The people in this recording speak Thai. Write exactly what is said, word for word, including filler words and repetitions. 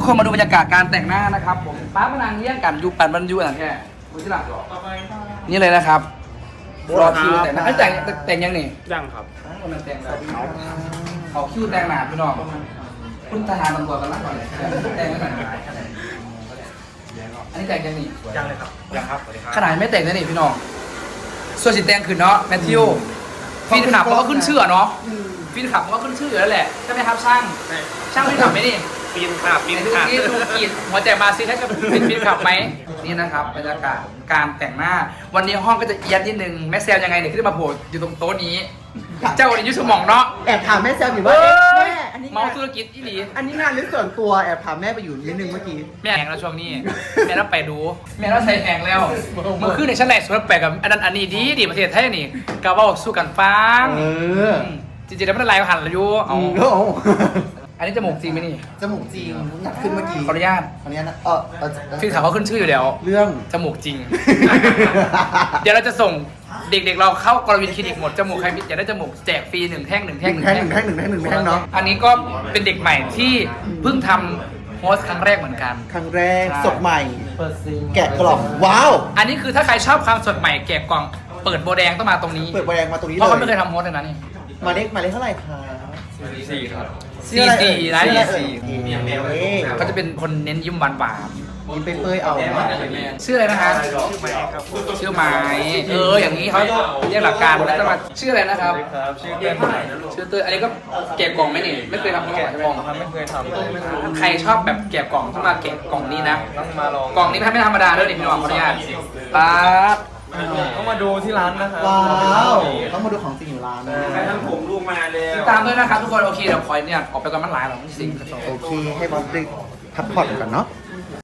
คนมาดูบรรยากาศการแต่งหน้านะครับผมป้าพนังเลี้ยงกันยูปันบรรยูอะไรแค่คุณที่หลังนี่เลยนะครับรอคิวแต่งหน้าแต่งแต่งยังนี่ยังครับคนนั้นแต่งแล้วเขาคิวแต่งหนาพี่น้องคุณทหารตำรวจกันละก่อนเลยแต่งไม่หนาอันนี้แต่งยังนี่ยังเลยครับยังครับสวัสดีครับขนาดไม่แต่งนะนี่พี่น้องส่วนสีแดงขึ้นเนาะแมทธิวฟีนขับเขาก็ขึ้นชื่อเนาะฟีนขับเขาก็ขึ้นชื่ออยู่แล้วแหละใช่ไหมครับช่างช่างฟีนขับไหมนี่ปีนขาบปีนดูขาบนี่ดูกีดหัวใจมาซิถ้าจะเป็นฟีนขับไหมนี่นะครับบรรยากาศการแต่งหน้าวันนี้ห้องก็จะเอียดนิดนึงแม่แซมยังไงเนี่ยขึ้นมาโผล่อยู่ตรงโต๊ะนี้ เจ้าวันนี้ยุสมองเนาะแอบถามแม่แซมอยู่ว่าเอ้เอ๊ะยแม่อันนี้เมางานธุรกิจอีหลีอันนี้งานหรือส่วนตัวแอบถามแม่ไปอยู่นิดนึงเมื่อกี้แม่แหงแล้วช่วงนี้แม่ต้องไปดูแม่ต้องใส่แหงแล้วเมื่อคืนในชั้นไหนสวนแปลกกับอันนั้นอันนี้ดีดีประเทศไทยนี่กาว่าสู้กันฟังเออจริงๆแล้วไม่ได้ไล่หันเลยยูเอาโอ้โหอันนี้จมูกจริงไหมนี่จมูกจริงอยากขึ้นเมื่อกี้ขออนุญาตอันนี้นะเออเออฟีนขับเขาขึ้นชื่ออยู่แล้วเรื่องจมูกจริง เดี๋ยวเราจะส่งเด็กๆเราเข้ากรวินคลินิกหมดจมูกใครอยากได้จมูกแจกฟรีหนึ่งแท่งหนึ่งหแท่งนึ่งแท่งหนึ่งแท่งหนึ่งแท่งหนึ่งแท่งเนาะอันนี้ก็เป็นเด็กใหม่ที่เพิ่งทำโฮสต์ครั้งแรกเหมือนกันครั้งแรกใช่สดใหม่ แกะกล่องว้าวอันนี้คือถ้าใครชอบความสดใหม่แกะกล่องเปิดโบแดงต้องมาตรงนี้เปิดแบรนด์มาตรงนี้เพราะเขาไม่เลเคยยทำโฮสต์เลยนะนี่หมายเลขหมายเลขเท่าไหร่คะสี่ครับสี่สี่นะนี่สี่สี่เขาจะเป็นคนเน้นยิ้มหวานหวานยิ้มไปเปยเอาเนาะชื่ออะไรนะคะชื่อไมค์ครับชื่อไม้เอออย่างนี้เขาเรียกหลักการแล้วจะมาชื่ออะไรนะครับครับชื่อเต้ยชื่อเตยอันนี้ก็แกะกล่องไหมนี่ไม่เคยทำมาก่อนใช่ไหมครับไม่เคยทำใครชอบแบบแกะกล่องต้องมาแกะกล่องนี้นะต้องมาลองกล่องนี้ไม่ธรรมดาด้วยนี่พี่น้องขออนุญาตป๊าบต้องมาดูที่ร้านนะครับว้าวต้องมาดูของจริงอยู่ร้านนะใครทำผมลูกมาเลยติดตามด้วยนะครับทุกคนโอเคเดี๋ยวคอยเนี่ยออกไปก่อนมันหลายหรอกสิ่งโอเคให้บอสได้พักผ่อนก่อนเนาะ